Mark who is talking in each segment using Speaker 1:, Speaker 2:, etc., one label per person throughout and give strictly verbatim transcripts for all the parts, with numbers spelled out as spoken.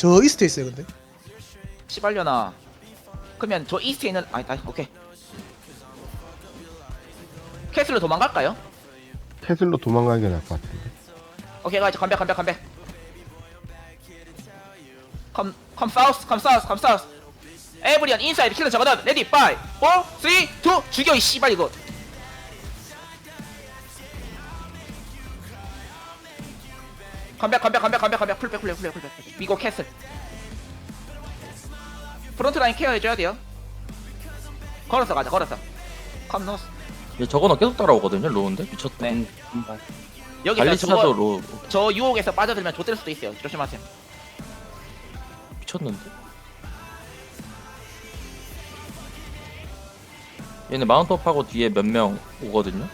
Speaker 1: 저 이스트에 있어요 근데.
Speaker 2: 시발려나. 그러면 저 이스트에 있는 아니다. 오케이. 캐슬로 도망갈까요?
Speaker 3: 캐슬로 도망가는 게 나을 것 같은데.
Speaker 2: 오케이 가이즈 컴백 컴백 컴백. 컴, 컴 사우스 컴 사우스 컴 사우스. 에브리언 인사이드 킬러 저거다. 레디 파이브 사 삼 이 죽여 이 씨발 이거. 컴백 컴백 컴백 컴백 컴백 풀백 풀백 풀백 풀백. 미고 캐슬. 프론트 라인 케어해줘야 돼요. 걸어서 가자 걸어서. 컴 노스.
Speaker 4: 얘 저거는 계속 따라오거든요. 로우인데 미쳤다.
Speaker 2: 네. 여기서
Speaker 4: 관리차도
Speaker 2: 저거
Speaker 4: 로우
Speaker 2: 저 유혹에서 빠져들면 좆될 수도 있어요. 조심하세요.
Speaker 4: 미쳤는데. 얘네 마운트업하고 뒤에 몇 명 오거든요.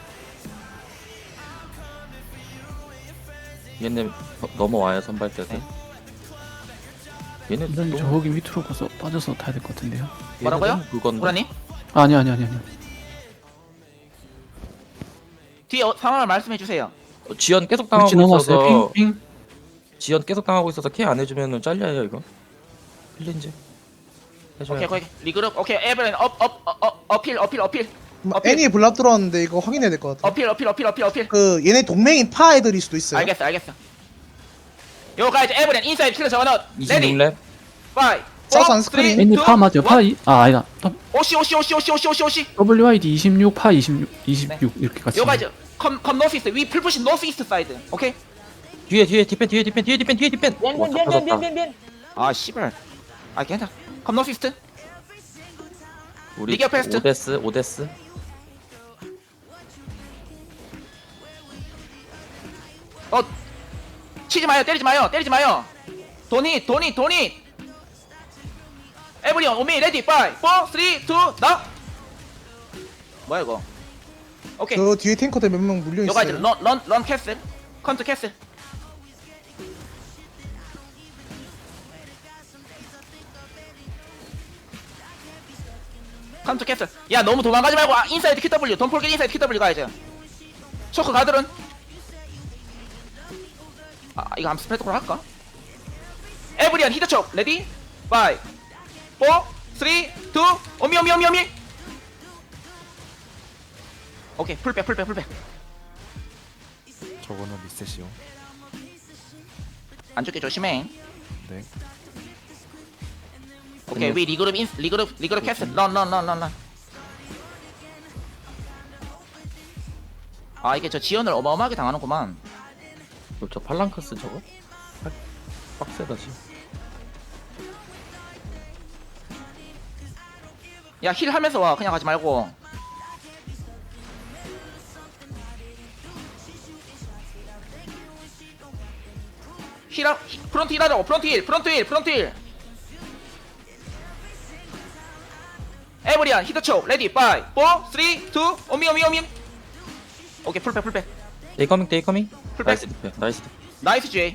Speaker 4: 얘네 어, 넘어와요 선발대에서.
Speaker 2: 네.
Speaker 4: 얘네
Speaker 5: 이런
Speaker 4: 너무-
Speaker 5: 저기 밑으로 가서 빠져서 타야 될 것 같은데요.
Speaker 4: 얘네
Speaker 2: 뭐라고요?
Speaker 4: 너무 그건데.
Speaker 2: 우라님
Speaker 5: 아니 아니 아니 아니.
Speaker 2: 뒤에 어, 상황을 말씀해 주세요.
Speaker 4: 어, 지연 계속 당하고
Speaker 5: 위치 넘어왔어요.
Speaker 4: 있어서
Speaker 5: 핑 핑.
Speaker 4: 지연 계속 당하고 있어서 케어 안 해주면은 잘려요 이거. 클린즈. 해줘야
Speaker 2: 오케이
Speaker 4: 돼.
Speaker 2: 오케이 리그룹 오케이 에브리언 업업 업 어필 어필 어필
Speaker 1: 뭐
Speaker 2: 어필.
Speaker 1: 애니에 블랍 들어왔는데 이거 확인해야 될 것 같아.
Speaker 2: 어필 어필 어필 어필 어필.
Speaker 1: 그 얘네 동맹인 파 애들일 수도 있어요.
Speaker 2: 알겠어 알겠어. 요 가이즈 에브리언 인사이드 킬러 저거 넣어. 레디
Speaker 4: 이십육 렙.
Speaker 2: 파이브
Speaker 1: 사우스 안 스크린.
Speaker 5: 애니 파 맞죠? 파 이, 아 아니다.
Speaker 2: 오시 오시 오시 오시 오시 오시 오시.
Speaker 5: 더블유 아이 디 이십육 파 이십육 이십육 이렇게 같이.
Speaker 2: 요 가이즈 컴컴 노스 이스트 위 풀푸시 노스 이스트 사이드. 오케이.
Speaker 4: 뒤에 뒤에 디펜 뒤에 디펜 뒤에 디펜 뒤에 디펜. 와, 다 터졌다.
Speaker 2: 아 씨발. 아 괜찮아. 컴 노스 이스트.
Speaker 4: 우리
Speaker 2: 리그 패스트.
Speaker 4: 오데스 오데스.
Speaker 2: 어 치지 마요 때리지 마요 때리지 마요. 도니 도니 도니. 에브리언 오미 레디 파이브 사 삼 이 나. 뭐야 이거. 오케이.
Speaker 1: 저 뒤에 탱커들 몇 명 물려
Speaker 2: 요 가이즈
Speaker 1: 있어요.
Speaker 2: 런런런 캐슬. 컴투 캐슬. 컴투 캐슬. 야 너무 도망가지 말고 아, 인사이드 큐더블유 돈 폴게 인사이드 큐더블유 가야지. 초크 가들은. 아 이거 한번 스프레드콜 할까? 에브리언 히터촉 레디 파이브 사 삼 이 오미 오미 오미 오미. 오케이 풀백 풀백 풀백.
Speaker 6: 저거는 리셋이요.
Speaker 2: 안 죽게 조심해.
Speaker 6: 네.
Speaker 2: 오케이 위 리그룹 인 리그룹 리그룹 캐슬 런런런런런. 아 이게 저 지연을 어마어마하게 당하는구만.
Speaker 4: 저 팔랑크스 저거? 빡- 빡세다 지금.
Speaker 2: 야 힐 하면서 와 그냥 가지 말고. 힐하 히- 프론트 힐 하자고. 프론트 힐 프론트 힐 프론트 힐. 에브리안 히터촉 레디 파이브 사 삼 이 오미 오미 오미. 오케이 풀백 풀백.
Speaker 4: 데이 커밍 데이 커밍.
Speaker 2: 풀백.
Speaker 4: 나이스 디펜 나이스 디펜.
Speaker 2: 나이스 제이.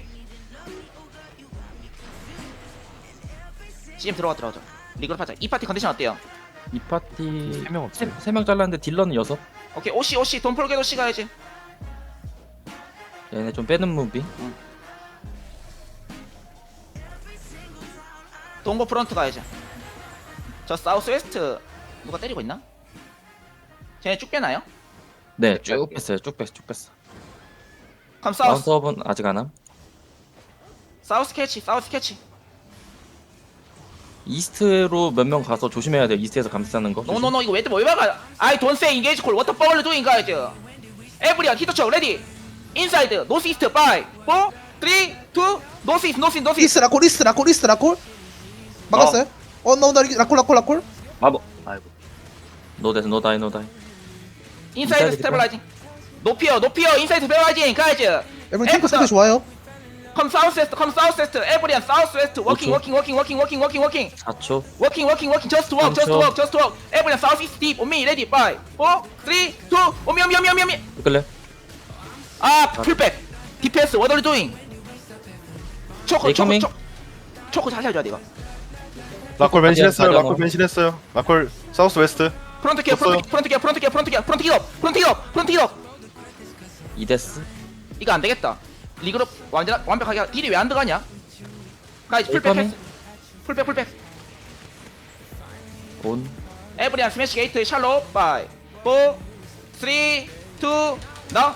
Speaker 2: 씨엠 들어가 들어가자. 리그룹 하자. 이 파티 컨디션 어때요?
Speaker 4: 이 파티
Speaker 6: 세명 없어요.
Speaker 4: 세명 잘랐는데 딜러는 여섯.
Speaker 2: 오케이 오시 오시 돈 폴게 오시 가야지.
Speaker 4: 얘네 좀 빼는 무비.
Speaker 2: 동고 프런트 가야지. 저 사우스 웨스트 누가 때리고 있나? 쟤네 쭉 빼나요?
Speaker 4: 네, 쭉 뺐어요. 쭉 뺐어, 쭉 뺐어.
Speaker 2: 그럼 사우스
Speaker 4: 마운트업은 아직 안 함.
Speaker 2: 사우스 캐치 사우스 캐치.
Speaker 4: 이스트로 몇 명 가서 조심해야 돼요. 이스트에서 감싸는 거.
Speaker 2: 노노노 이거 왜또 뭐 막아? I don't say engage call. What the fuck are you doing guys? Everyone 히터촉 레디. 인사이드 노스 이스트 파이브 사 삼 이 노스 이스트 노스 이스트 노스 이스트.
Speaker 1: 리스 라콜 리스 라콜 리스 라콜. 막았어요? 어 나온다 라콜 라콜 라콜.
Speaker 4: 노데스 노다이 노다이.
Speaker 2: 인사이드
Speaker 4: 인사이드
Speaker 2: 스테빌라이징. 높이요 높이요 인사이드 스테빌라이징 가야지.
Speaker 1: 여러분 탱커 상태 좋아요.
Speaker 2: Come south west, come south west. Everyone south west. Walking,
Speaker 4: 오초.
Speaker 2: walking, walking, walking, walking, walking, walking.
Speaker 4: 사 초.
Speaker 2: Walking, walking, walking. Just walk, just
Speaker 4: 삼 초.
Speaker 2: walk, just walk. Everyone south east deep. On me, ready. Five, four, three, two. 오미, 오미, 오미, 오미, 오미.
Speaker 4: 끌래?
Speaker 2: 아, 풀백. 디펜스. What are you doing? 초코,
Speaker 4: They
Speaker 2: 초코,
Speaker 4: coming?
Speaker 2: 초코. 초코 잘 살려야 돼 이거.
Speaker 6: 라콜 변신했어요.
Speaker 4: 가디언.
Speaker 6: 라콜 변신했어요. 라콜 사우스 웨스트.
Speaker 2: 프론트 기어, 프론트, 프론트 기어, 프론트 기어, 프론트 기어, 프론트 기어, 프론트 기어, 프론트 기어.
Speaker 4: 이데스.
Speaker 2: 이거 안 되겠다. 리그룹 완전 완벽하게 딜이 왜 안 들어가냐? 가이즈 풀백
Speaker 4: 웨이커밍.
Speaker 2: 패스 풀백 풀백
Speaker 4: 온.
Speaker 2: 에브리안 스매시 게이트 샬롯 파이브 사 삼 이 나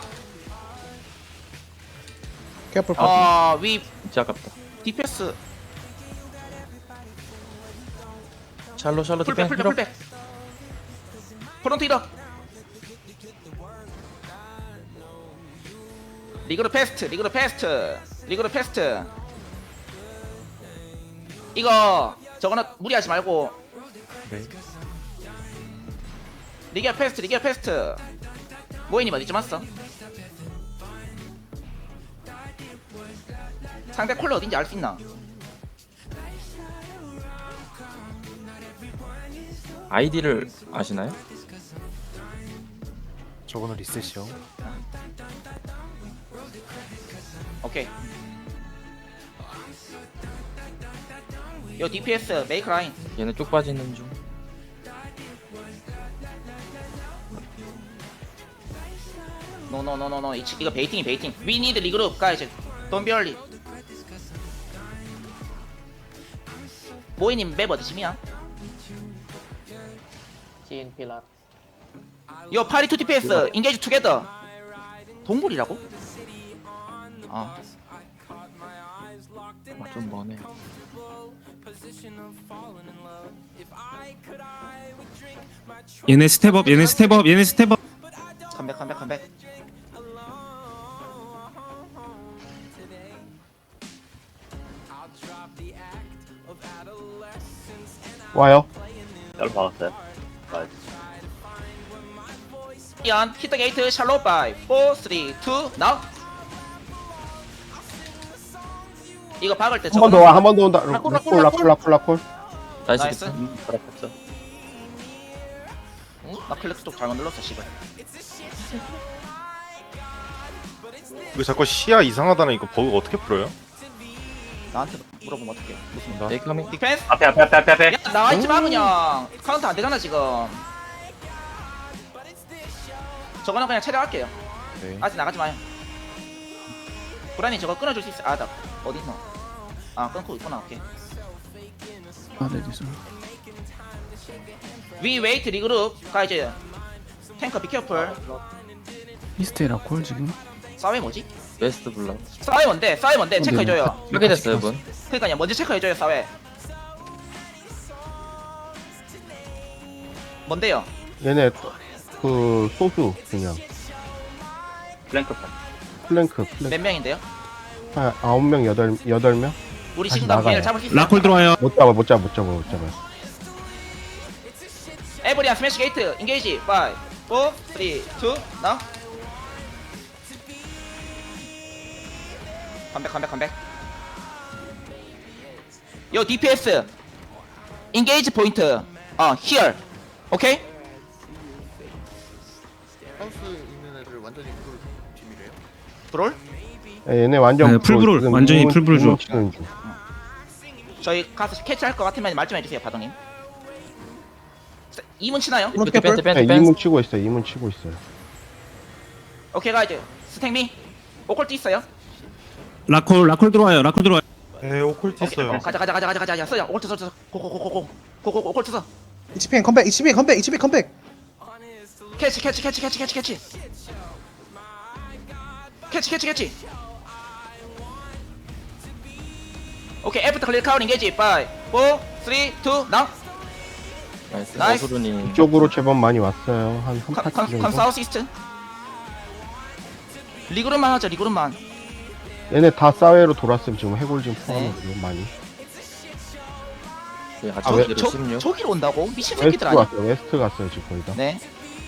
Speaker 1: 캐플 파
Speaker 2: 어, 위
Speaker 4: 진짜 아깝다.
Speaker 2: 디펜스
Speaker 4: 샬로 샬로
Speaker 2: 풀백
Speaker 4: 디펜
Speaker 2: 풀백
Speaker 4: 힐업.
Speaker 2: 풀백 프론트 히더 리그로 패스트 리그로 패스트 리그로 패스트 이거 저거는 무리하지 말고
Speaker 6: 네.
Speaker 2: 리기아 패스트 리기아 패스트 모이님 어디쯤 왔어? 상대 콜러 어딘지 알 수 있나?
Speaker 4: 아이디를 아시나요?
Speaker 6: 저거는 리셋이요.
Speaker 2: 오케이 요 디피에스 메이크 라인
Speaker 4: 얘는 쭉 빠지는 중.
Speaker 2: 노노노노노 이거 베이팅이 베이팅 We need 리그룹 가이즈 Don't be early 모이님 맵 어디쯤이야?
Speaker 7: 진 필라.
Speaker 2: 요 파리 투 디피에스 인게이지 투게더 동굴이라고? 아
Speaker 4: 아, 좀 머네.
Speaker 8: 얘네 스텝업 얘네 스텝업 얘네 스텝업.
Speaker 2: 컴백 컴백 컴백
Speaker 3: 와요.
Speaker 7: 열 박았어요.
Speaker 2: 이안 히터 게이트 샬롯 바이 사 삼 이 나우 이거 박을 때
Speaker 3: 한 번 더 와, 한 번 더 온다.
Speaker 2: 라콜,
Speaker 3: 라콜, 라콜, 라콜, 라콜.
Speaker 4: 나이스.
Speaker 2: 나이스.
Speaker 4: 디펜.
Speaker 7: 그렇겠죠.
Speaker 2: 응? 나 클릭 쪽 잘못 눌렀어 씨발
Speaker 6: 이거 자꾸 시야 이상하다는 이거 버그 어떻게 풀어요?
Speaker 2: 나한테 물어보면 어떡해 무슨
Speaker 6: 나?
Speaker 4: 메이커밍.
Speaker 2: 디펜스?
Speaker 7: 앞에 앞에 앞에 앞에 앞에.
Speaker 2: 야 나와있지마 그냥 카운트 안되잖아 지금 저거는 그냥 체력할게요
Speaker 6: 네.
Speaker 2: 아직 나가지마요 브라니 저거 끊어줄 수 있어 아나 어딨노 아 끊고 있구나 오케이
Speaker 5: 아, 네, 죄송합니다.
Speaker 2: 위 웨이트 리그룹 가이즈 탱커 비케어풀
Speaker 5: 이스트에 라콜 지금.
Speaker 2: 싸웨 뭐지?
Speaker 4: 웨스트 블락.
Speaker 2: 싸웨 뭔데? 싸웨 뭔데?
Speaker 5: 어,
Speaker 2: 체크해줘요
Speaker 5: 네,
Speaker 4: 하게 됐어요 분.
Speaker 2: 그니까요 먼저 체크해줘요 싸웨 뭔데요?
Speaker 3: 얘네 그 소수 그냥
Speaker 7: 플랭크 판.
Speaker 3: 플랭크, 플랭크.
Speaker 2: 몇 명인데요?
Speaker 3: 한 아홉 명, 여덟 여덟 명.
Speaker 2: 우리
Speaker 3: 다시
Speaker 2: 지금 다
Speaker 3: 나가요.
Speaker 2: 얘를 잡을 수 있어요
Speaker 8: 라콜 들어와요.
Speaker 3: 못 잡아, 못 잡아, 못 잡아, 못 잡아.
Speaker 2: 에브리안 스매시 게이트 인게이지 파이브 사 삼 이 나 컴백 컴백 컴백 요 디피에스 인게이지 포인트 어 히얼 오케이? 브롤?
Speaker 3: 예, 얘네 완전
Speaker 8: 네, 풀브롤,
Speaker 3: 지금
Speaker 8: 완전히
Speaker 3: 이문-
Speaker 8: 풀브롤
Speaker 3: 이문
Speaker 8: 줘.
Speaker 3: 치는 중.
Speaker 2: 저희 가서 캐치할 것 같으면 말 좀 해주세요 바동님 이문 치나요?
Speaker 1: 프론트
Speaker 4: 디펜
Speaker 1: 캐플
Speaker 4: 디펜
Speaker 3: 네,
Speaker 4: 디펜.
Speaker 3: 이문 치고 있어요. 이문 치고 있어요.
Speaker 2: 오케이 가이즈 스택미 오컬트 있어요?
Speaker 8: 라콜 라콜 들어와요. 라콜 들어와요.
Speaker 6: 네, 오컬트
Speaker 2: 오케이 어, 가자 가자 가자 가자 가자 써요 오컬트 써 고고고고고 고고고 오컬트 써
Speaker 1: 이치피엔 컴백 이치피엔 컴백 이치피엔 컴백
Speaker 2: 캐치 캐치 캐치 캐치 캐치 캐치 캐치 캐치 캐치 오케이 애프터 클리어 카운 인게이지 파이브 사 삼 이 나
Speaker 4: 나이스.
Speaker 2: 나이스.
Speaker 4: 어수루님.
Speaker 3: 이쪽으로 제법 많이 왔어요. 한 한 파티
Speaker 2: 컴
Speaker 3: 정도.
Speaker 2: 사우스 이스트 리그룹만 하자 리그룹만
Speaker 3: 얘네 다 사회로 돌았으면 지금 해골 좀
Speaker 2: 네.
Speaker 3: 포함해요. 많이.
Speaker 4: 네,
Speaker 3: 아,
Speaker 4: 아직
Speaker 3: 왜-
Speaker 4: 뒤로
Speaker 2: 저,
Speaker 4: 십육.
Speaker 2: 저기로 온다고? 미친
Speaker 3: 웨스트
Speaker 2: 새끼들 아니야?
Speaker 3: 갔어요. 웨스트 갔어요 지금 거의 다.
Speaker 2: 네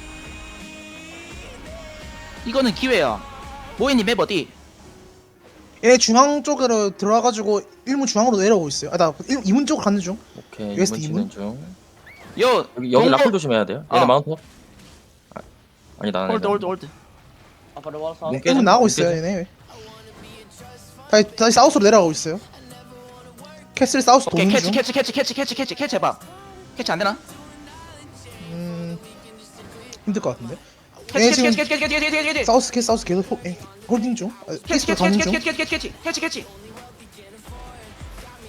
Speaker 2: 이거는 기회야 모이님 맵 어디?
Speaker 1: 얘네 중앙 쪽으로 들어와가지고 일문 중앙으로 내려오고 있어요 아나 이문 쪽으로 가는 중
Speaker 4: 오케이.
Speaker 1: 웨스트
Speaker 4: 이문 치는 중.
Speaker 2: 요
Speaker 4: 여기 여기
Speaker 2: 동굴-
Speaker 4: 라콜 조심해야 돼요. 얘네
Speaker 2: 어.
Speaker 4: 마운트. 아, 아니 나는.
Speaker 2: 홀드 홀드 홀드
Speaker 7: 앞으로 와서.
Speaker 4: 문 깨져,
Speaker 1: 일문 나가고
Speaker 4: 문
Speaker 1: 있어요
Speaker 4: 깨져.
Speaker 1: 얘네 다시, 다시 사우스로 내려가고 있어요 캐슬 사우스
Speaker 2: 오케이
Speaker 1: 도는
Speaker 2: 캐치
Speaker 1: 중
Speaker 2: 캐치 캐치 캐치 캐치 캐치 캐치 해봐 캐치 안되나?
Speaker 1: 음... 힘들 것 같은데
Speaker 2: 캐치
Speaker 1: 얘네
Speaker 2: 캐치
Speaker 1: 지금
Speaker 2: 캐치 캐치 캐치 캐치 캐치 캐치
Speaker 1: 사우스 캐 사우스 계속 호, 에, 홀딩 중 아,
Speaker 2: 캐치
Speaker 1: 캐스로
Speaker 2: 캐치
Speaker 1: 가는
Speaker 2: 캐치
Speaker 1: 중
Speaker 2: 캐치 캐치 캐치 캐치 캐치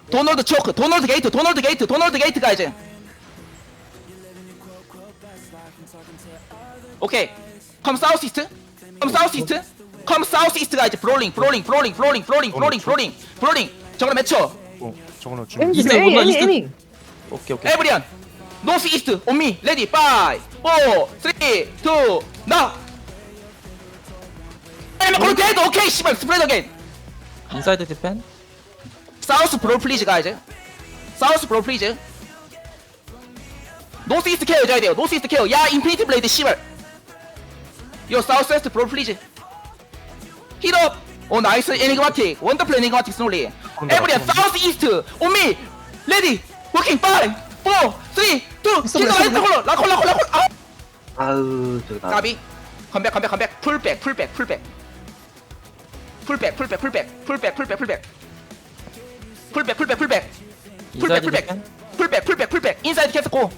Speaker 2: 도널드 초크 도널드 게이트 도널드 게이트 도널드 게이트 가야지. 오케이 컴 사우스 이스트 컴 사우스 이스트 컴 사우스 이스트 가야지. 브롤링 브롤링 브롤링 브롤링 브롤링 브롤링 브롤링 브롤링 저거는 맺혀.
Speaker 6: 저거는 좀
Speaker 4: 이스트 온다 이스트. 오케이 오케이.
Speaker 2: 에브리언 노스 이스트 온미 레디 파이 오 쓰리 투 나 에메 콜게이트 오케이 씨발 스프레드 어게인.
Speaker 4: 인사이드 디펜.
Speaker 2: 사우스 브롤 플리즈 가야지. 사우스 브롤 플리즈. 노스 이스트 케어 해줘야 돼요. 노스 이스트 케어. 야 인피니티 블레이드 씨발. 요 사우스 웨스트 브롤 플리즈. 힐업. 오 나이스 에니그마틱. 원더플 에니그마틱 스놀리. 에브리언 사우스 이스트 온미 레디 워킹 파이 오 쓰리 투
Speaker 1: 있어,
Speaker 2: 킬러
Speaker 1: 있어,
Speaker 2: 라이트
Speaker 1: 있어.
Speaker 2: 콜러 라콜 라콜 라콜 아
Speaker 7: 아우 저거 나.
Speaker 2: 까비 컴백 컴백 컴백 풀백 풀백 풀백 풀백 풀백 풀백 풀백 풀백 풀백 풀백 풀백 풀백 풀백
Speaker 4: 인사이드
Speaker 2: 풀백
Speaker 4: 디펜.
Speaker 2: 풀백 풀백 풀백 인사이드 캐스 고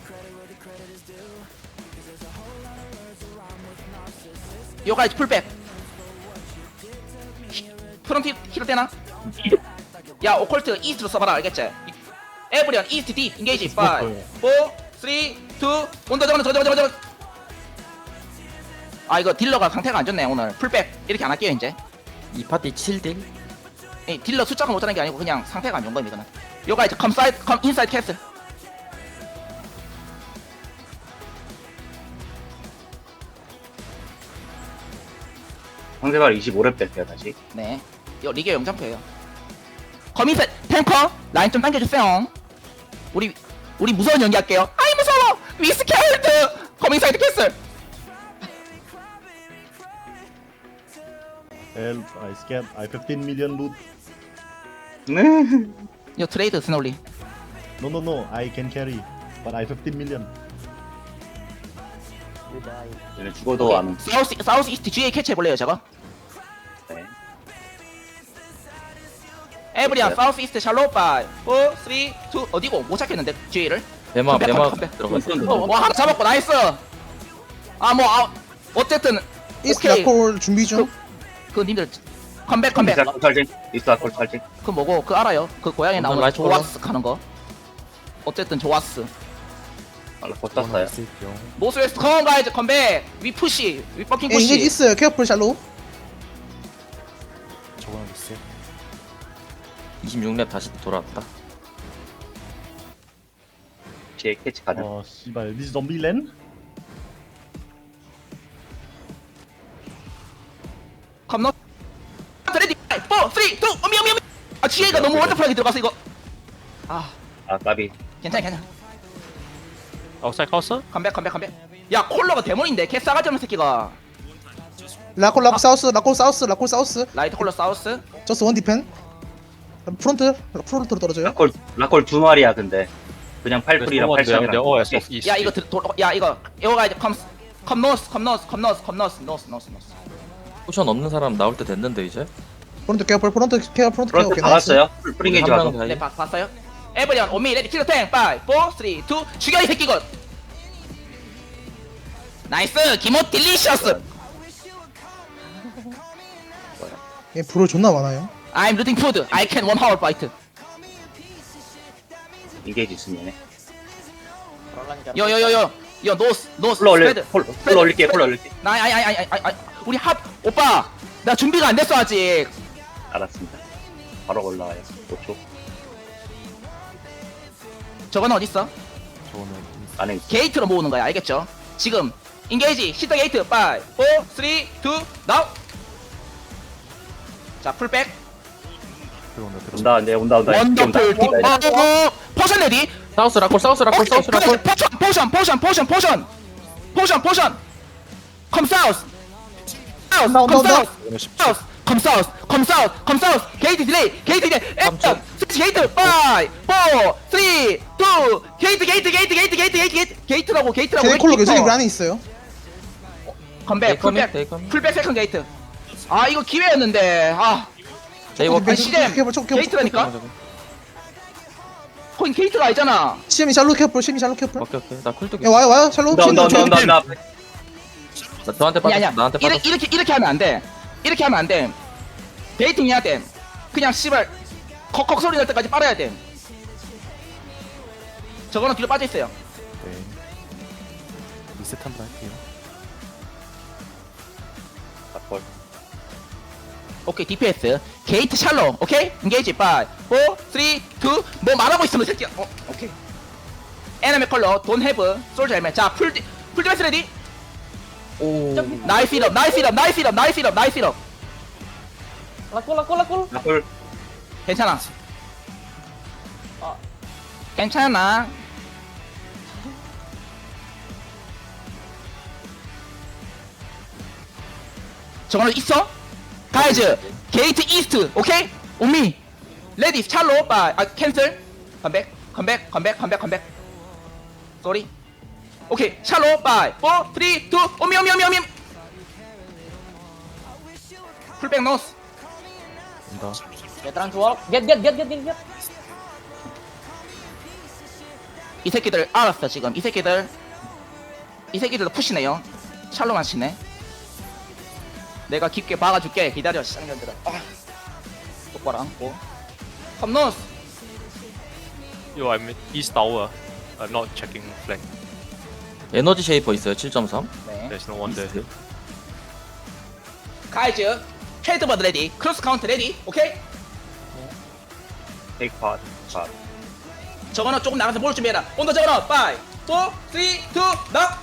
Speaker 2: 요가이즈 풀백 프론트 힐러 되나? 야 오컬트 이스트로 써봐라 알겠지? 에브리언 이스트 딥 인게이지 파이 사 쓰리 투 온더 저거는 저거 저거 저거 아 이거 딜러가 상태가 안 좋네 오늘 풀백 이렇게 안 할게요 이제.
Speaker 4: 이 파티 칠 딜.
Speaker 2: 이 딜러 숫자가 못하는 게 아니고 그냥 상태가 안 좋은 겁니다 이거는. 요가 이제 컴 사이드 컴 인사이드 캐슬.
Speaker 7: 상대발 이십오 렙 뺄게요 다시.
Speaker 2: 네. 요 리그 영점표예요. 커미스 탱커 라인 좀 당겨주세요. 우리 우리 무서운 연기할게요. 아이 무서워. 위스케일드 커밍사이드 캐슬.
Speaker 9: Help, I scam. I fifteen million loot.
Speaker 2: 요 트레이드 스놀리.
Speaker 9: No, no, no. I can carry. But I fifteen million.
Speaker 7: 얘네 죽어도 안.
Speaker 2: 사우스 사우스 이스트 지에이 캐치 해볼래요 저거?
Speaker 7: 네.
Speaker 2: 에브리언 사우스 이스트 샬롯 바이 사 쓰리 투 어디고 못 찾겠는데 지에이를.
Speaker 4: 대마
Speaker 2: 컴백,
Speaker 4: 대마
Speaker 2: 컴백.
Speaker 4: 들어갔어.
Speaker 2: 어, 뭐 하나 잡았고 나이스. 아 뭐 아, 어쨌든
Speaker 1: 이스트
Speaker 2: 오케이.
Speaker 1: 라콜 준비 중.
Speaker 2: 그 님들 컴백 컴백.
Speaker 7: 이스라콜 탈진. 이스라콜 탈진.
Speaker 2: 그 뭐고 그 알아요? 그 고양이
Speaker 4: 완전
Speaker 2: 나오는
Speaker 4: 라이트
Speaker 2: 조와스 하는 거. 어쨌든 조와스.
Speaker 7: 알라코 떴어요.
Speaker 2: 노스웨스트 컴온 가이즈 컴백. 위 푸시 위 퍼킹
Speaker 1: 예, 인게이지
Speaker 2: 푸시.
Speaker 1: 있어요. 케어풀 샬로.
Speaker 6: 저거는 있어요.
Speaker 4: 이십육 렙 다시 돌아왔다.
Speaker 7: 뒤에 캐치 가능.
Speaker 9: Oh, 씨발. This zombie land?
Speaker 2: 컴노. 레디 사 쓰리 투 어미 어미 어미. 아 지혜가 너무 원더풀하게 들어가서 이거. 아
Speaker 7: 아 까비.
Speaker 2: 괜찮아 괜찮아.
Speaker 10: 아웃사이드 카우스?
Speaker 2: 컴백 컴백 컴백. 야 콜러가 데몬인데 개 싸가지 없는 새끼가.
Speaker 1: 라콜 라콜 사우스 라콜 사우스 라콜 사우스.
Speaker 2: 라이트 콜러 사우스.
Speaker 1: 저스 원 디펜. 프론트 프론트로 떨어져요.
Speaker 7: 라콜 라콜 두 마리야 근데. 그냥 팔풀이랑 팔삼이랑.
Speaker 10: 오에스 오프 이스트.
Speaker 2: 야 이거 들, 도, 야 이거 이거 가이즈 컴. 컴 노스 컴 노스 컴 노스 컴 노스 노스 노스 노스.
Speaker 4: 포션 없는 사람 나올 때 됐는데 이제.
Speaker 1: 프론트 케어풀 프론트 케어 프론트 케어.
Speaker 7: 프런트
Speaker 1: 오케이, 나이스.
Speaker 7: 박았어요. 프링게이지
Speaker 4: 한 명
Speaker 7: 가서.
Speaker 4: 다이.
Speaker 2: 네 봤, 봤어요? 에브리언 오미 레디 킬러 탱 파이 사 쓰리 투 죽여 이 새끼 것. 나이스 기모 딜리셔스.
Speaker 1: 예, 불을 존나 많아요.
Speaker 2: I'm looting food. I can one hour fight.
Speaker 7: 인게이지 있으면 얘네.
Speaker 2: 요요요요 요 노스 노스
Speaker 7: 폴로 올려.
Speaker 2: 스프레드.
Speaker 7: 폴로 폴로 올릴게. 폴로 올릴게.
Speaker 2: 나 아니 아니 아니 아니 아니 우리 합 오빠 나 준비가 안 됐어 아직.
Speaker 7: 알았습니다. 바로 올라와요. 오 초.
Speaker 2: 저거는 어디 있어?
Speaker 7: 안에 있어.
Speaker 2: 게이트로 모으는 거야 알겠죠? 지금 인게이지 히터 게이트 오 사 쓰리 이 나우. 자 풀백
Speaker 7: 온다 네 온다 온다.
Speaker 2: 원더풀 딥.
Speaker 7: 온다.
Speaker 2: 어, 어, 포션 레디.
Speaker 4: 사우스 라콜 사우스 라콜 사우스 라콜.
Speaker 2: 포션 포션 포션 포션 포션 포션 포션 컴 사우스 사우스
Speaker 1: 온다, 온다,
Speaker 2: 컴
Speaker 1: 온다.
Speaker 2: 사우스 사우스 컴 사우스 컴 사우스 컴 사우스 게이트 딜레이 게이트 딜레이 액션 스위치 게이트 파 사 쓰리 이 게이트 게이트 게이트 게이트 게이트 게이트 게이트 게이트라고 게이트라고
Speaker 1: 제 콜로
Speaker 2: 게이트.
Speaker 1: 계속 그 안에 있어요.
Speaker 2: 컴백
Speaker 4: 데이커밋,
Speaker 2: 풀백
Speaker 4: 데이커밋.
Speaker 2: 풀백 세컨 게이트. 아 이거 기회였는데 아
Speaker 4: 네이버
Speaker 2: 아니, 시댐
Speaker 1: 케어풀 케어풀
Speaker 2: 게이트라니까 거긴 게이트가 아니잖아.
Speaker 1: 시엠이 샬로 케어풀 시엠이 샬로 케어풀.
Speaker 4: 오케이 오케이. 나 쿨도
Speaker 1: 야 와요 와요 샬로.
Speaker 7: 온다 온다 온다 온다 온다.
Speaker 4: 나 너한테
Speaker 2: 아니
Speaker 4: 빠졌어.
Speaker 2: 아니야
Speaker 4: 나한테
Speaker 2: 이렇게,
Speaker 4: 빠졌어.
Speaker 2: 이렇게 이렇게 하면 안돼 이렇게 하면 안돼 데이팅 해야 돼 그냥 씨발 컥컥 소리 날 때까지 빨아야 돼 저거는 뒤로 빠져있어요.
Speaker 9: 네. 리셋 한번 할게요.
Speaker 7: 락콜.
Speaker 2: 오케이 디피에스 게이트 샬로 오케이 인게이지 오, 사, 삼, 이 뭐 말하고 있으면 새끼야. 어 오케이 에너미 컬러 돈 해브 솔저 헬멧 자풀 풀디베스 레디. 오 나이스 힐업 나이스 힐업 나이스 힐업 나이스 힐업 나이스 힐업.
Speaker 7: 락콜.
Speaker 2: 괜찮아. 괜찮아. 저거는 있어? 가이즈 게이트 이스트 오케이? 오미 레디 찰로 빠 아 캔슬 컴백 컴백 컴백 컴백 컴백 쏘리 오케이 찰로 빠 사, 삼, 이 오미 오미 오미 오미 풀백 노스
Speaker 10: 얘들아 좋아. 겟겟겟겟겟.
Speaker 2: 이 새끼들 알았어 지금 이 새끼들 이 새끼들도 푸시네요. 샬로만 치네. 내가 깊게 박아줄게. 기다려 쌍년들아. 아. 똑바로 앉고 컴노스.
Speaker 10: Yo, I'm east tower. I'm not checking flank.
Speaker 4: 에너지 쉐이퍼 있어요. 칠 점 삼.
Speaker 2: 네.
Speaker 10: There's no one there.
Speaker 2: 가이즈 헤드버드 레디 크로스 카운트 레디 오케이?
Speaker 7: 테이크 팟. 팟.
Speaker 2: 저거는 조금 나가서 볼 준비해라. 온더 저거는 오, 사, 삼, 이 나.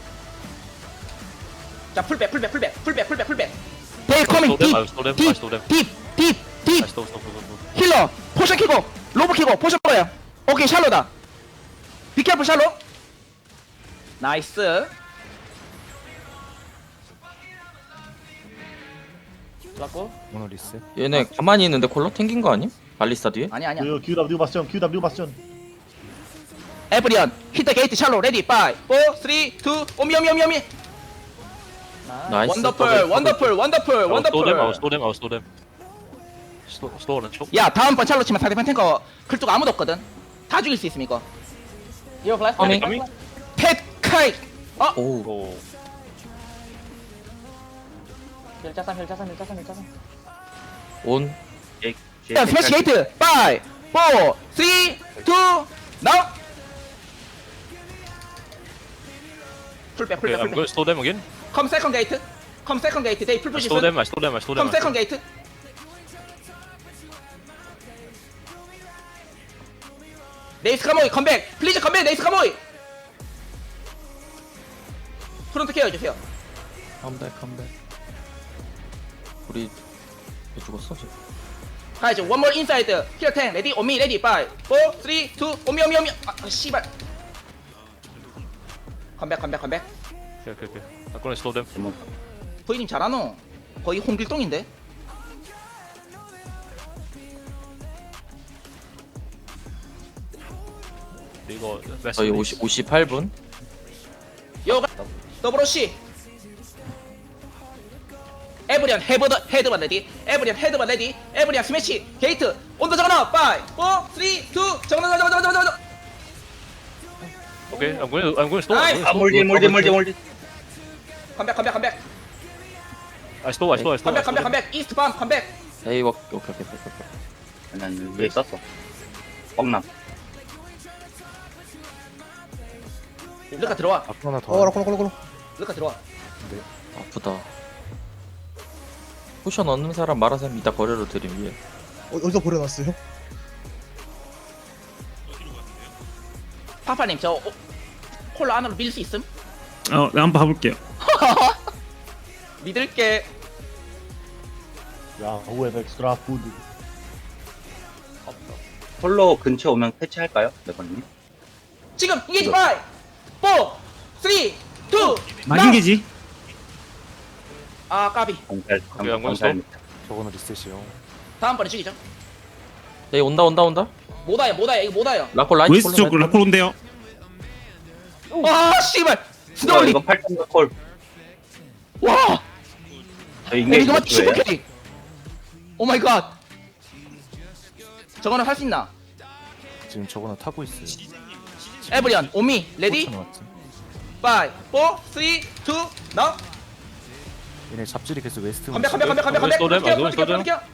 Speaker 2: 자 풀백 풀백 풀백 풀백 풀백 풀백 데이 커밍
Speaker 10: stole them, I stole them, I stole them.
Speaker 2: 딥딥딥딥
Speaker 10: I stole, stole, stole, stole.
Speaker 2: 힐러 포션 키고 로브 키고 포션 뭐야. 오케이 샬로다. 비케어풀 샬로. 나이스.
Speaker 9: 오늘 리셋.
Speaker 4: 얘네 가만히 있는데 콜러 튕긴 거 아님? 발리스타 뒤에?
Speaker 2: 아니 아니야.
Speaker 9: 큐 QW 바스전 QW 바스전.
Speaker 2: 에브리언 히트 게이트 샬로 레디 오, 사, 삼, 이 오미 오미 오미 오미.
Speaker 4: 나이스.
Speaker 2: 원더풀 원더풀 원더풀
Speaker 10: I will stole them, I will
Speaker 2: 원더풀.
Speaker 10: stole them, I will stole them. Stole, stole and choke.
Speaker 2: 야 다음번 샬로 치면 상대편 탱커 글뚝 아무도 없거든. 다 죽일 수 있음 이거.
Speaker 4: 커밍.
Speaker 10: Coming?
Speaker 2: 팻 카이. 어?
Speaker 4: 오.
Speaker 10: Oh.
Speaker 4: 온.
Speaker 7: 제이크.
Speaker 2: 야 스매시 게이트 오, 사, 삼, 이 나우. 풀백
Speaker 10: Okay,
Speaker 2: 풀백
Speaker 10: I'm going
Speaker 2: 풀백.
Speaker 10: to stole them again.
Speaker 2: 컴 세컨 게이트. 컴 세컨 게이트 데이
Speaker 10: I
Speaker 2: 풀푸시.
Speaker 10: stole them, I stole them, I stole them.
Speaker 2: 컴
Speaker 10: I stole
Speaker 2: 세컨
Speaker 10: them.
Speaker 2: 게이트. 네이스 카모이 컴백. 플리즈 컴백 네이스 카모이. 프론트 케어 해주세요.
Speaker 4: 컴백 컴백. 우리 왜 죽었어 지금?
Speaker 2: 가야죠. One more inside. Here ten. Ready? On me. Ready? Five, four, three, two. 오미 오미 오미. 아, 아 씨발. 컴백 컴백 컴백.
Speaker 10: Okay, okay, okay. I'm going to stole them.
Speaker 2: 부이님 잘하노? 거의 홍길동인데?
Speaker 10: They got vessel.
Speaker 4: 저희 오십, 오십팔 분.
Speaker 2: 요가 더블오씨. 에브리언 헤버드 헤드만 레디. 에브리언 헤드만 레디. 에브리언 스매시 게이트. 온더 저거나. Five, four, three, two. 저거나 저거나 저거나 저거나.
Speaker 10: Okay, I'm going to, I'm going to stole. I'm
Speaker 2: Nice.
Speaker 10: going
Speaker 7: 아
Speaker 10: to
Speaker 7: 몰디
Speaker 10: stole.
Speaker 7: 몰디 몰디 몰디.
Speaker 2: 컴백 컴백 컴백.
Speaker 10: I stole, I stole, I stole.
Speaker 2: 컴백
Speaker 10: I stole
Speaker 2: 컴백
Speaker 10: them.
Speaker 2: 컴백. 이스트 밤 컴백.
Speaker 4: 에이 워 오케이 오케이 오케이 오케이.
Speaker 7: 난 위에 있었어. 뻥남.
Speaker 2: 르카 들어와.
Speaker 9: 앞으로 하나 더.
Speaker 1: 어 라콜 라콜 라콜.
Speaker 2: 르카 들어와.
Speaker 4: 아프다. 포션 얻는 사람 말하셈 이따 거래로 드림 위에.
Speaker 1: 어, 어디서 버려놨어요?
Speaker 2: 파파님 저 오, 콜라 안으로 밀 수 있음?
Speaker 8: 어, 네, 한번 봐볼게요.
Speaker 2: 믿을게.
Speaker 9: 야, who have extra food?
Speaker 7: 홀로 근처 오면 패치할까요? 네번님.
Speaker 2: 지금 이게 파이, 포, 쓰리, 투.
Speaker 8: 많이 계지?
Speaker 2: 아 까비.
Speaker 7: 경찰.
Speaker 10: 오케이, I'm going to
Speaker 7: 경찰.
Speaker 9: 저거는 리셋이요.
Speaker 2: 다음번에 죽이죠.
Speaker 4: 에이 온다 온다 온다.
Speaker 2: 못와요 못와요 이거 못와요.
Speaker 4: 라콜 라이트
Speaker 8: 웨스트 쪽
Speaker 4: 콜로
Speaker 8: 라콜 온대요.
Speaker 2: 와 씨발.
Speaker 7: 이거
Speaker 2: 스노울리.
Speaker 7: 이거 팔 점 콜.
Speaker 2: 와.
Speaker 7: 저 인게
Speaker 2: 이거만
Speaker 7: 이거예요?
Speaker 2: 슈퍼 캐리. 오 마이 갓. 저거는 할 수 있나?
Speaker 9: 지금 저거는 타고 있어요.
Speaker 2: 에브리언 오미 레디. 파이, 포, 쓰리, 투. 나.
Speaker 9: 얘네 잡질이 계속 웨스트.
Speaker 2: 컴백 컴백 컴백 컴백 컴백.
Speaker 10: 쏘them,
Speaker 2: 컴백,
Speaker 10: 쏘them,
Speaker 2: 컴백,
Speaker 10: 쏘them.
Speaker 2: 컴백.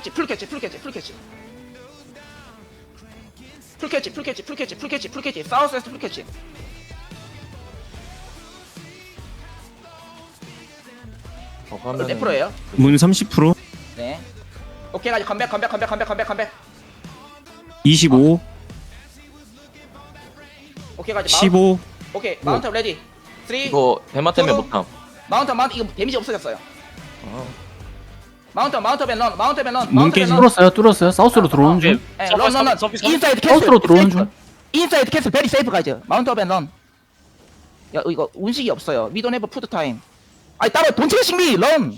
Speaker 2: 캐치 풀 캐치 풀 캐치 풀 캐치 풀 캐치 풀 캐치 풀 캐치 풀 캐치 풀 캐치 사우스 웨스트 풀 캐치
Speaker 4: 어,
Speaker 2: 몇
Speaker 4: 하면은
Speaker 2: 프로예요?
Speaker 8: 문 삼십 퍼센트.
Speaker 2: 네 오케이 가지 컴백 컴백 컴백 컴백 컴백 컴백
Speaker 8: 이십오.
Speaker 2: 오케이 가지
Speaker 8: 십오.
Speaker 2: 오케이 마운트 레디 삼
Speaker 4: 이거 대마 때문에
Speaker 2: 서로-
Speaker 4: 못함.
Speaker 2: 마운트 마운트 이거 데미지 없어졌어요
Speaker 4: 아,
Speaker 2: 마운트 마운트 밴런 마운트 밴런
Speaker 8: 문
Speaker 2: 마운트
Speaker 8: 깨지.
Speaker 2: 밴런
Speaker 5: 뚫었어요 뚫었어요 사우스로 들어오는 중
Speaker 2: 예, 런, 런, 런.
Speaker 10: 서비, 서비.
Speaker 2: 인사이드 캐슬.
Speaker 5: 사우스로 들어오는 중.
Speaker 2: 인사이드 캐슬 베리 세이프 가이즈. 마운트 업앤 런. 야, 이거 운식이 없어요. We don't have 푸드 타임. 아니 따로 돈 체싱 미 런.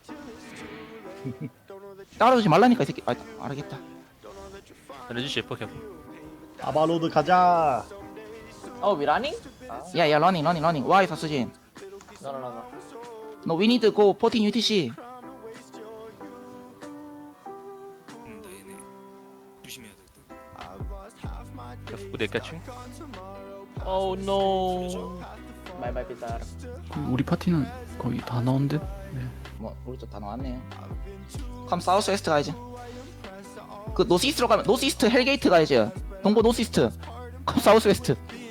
Speaker 2: 따라오지 말라니까 이 새끼. 아, 알겠다.
Speaker 10: Energy shift, okay.
Speaker 9: 아바로드 가자.
Speaker 2: 어, we running? 야, 야, running, running, running. Why 사수진? No, no, no, no. No, we need to go fourteen U T C.
Speaker 10: Who they catching? Oh no.
Speaker 2: 마이 마이 비타.
Speaker 5: 우리 파티는 거의 다 나온 듯?
Speaker 2: 뭐 우리 쪽다 나왔네요. 컴 사우스 웨스트 가야지. 그 노스 이스트로 가면 노스 이스트 헬게이트 가야지. 동부 노스 이스트. 컴 사우스 웨스트.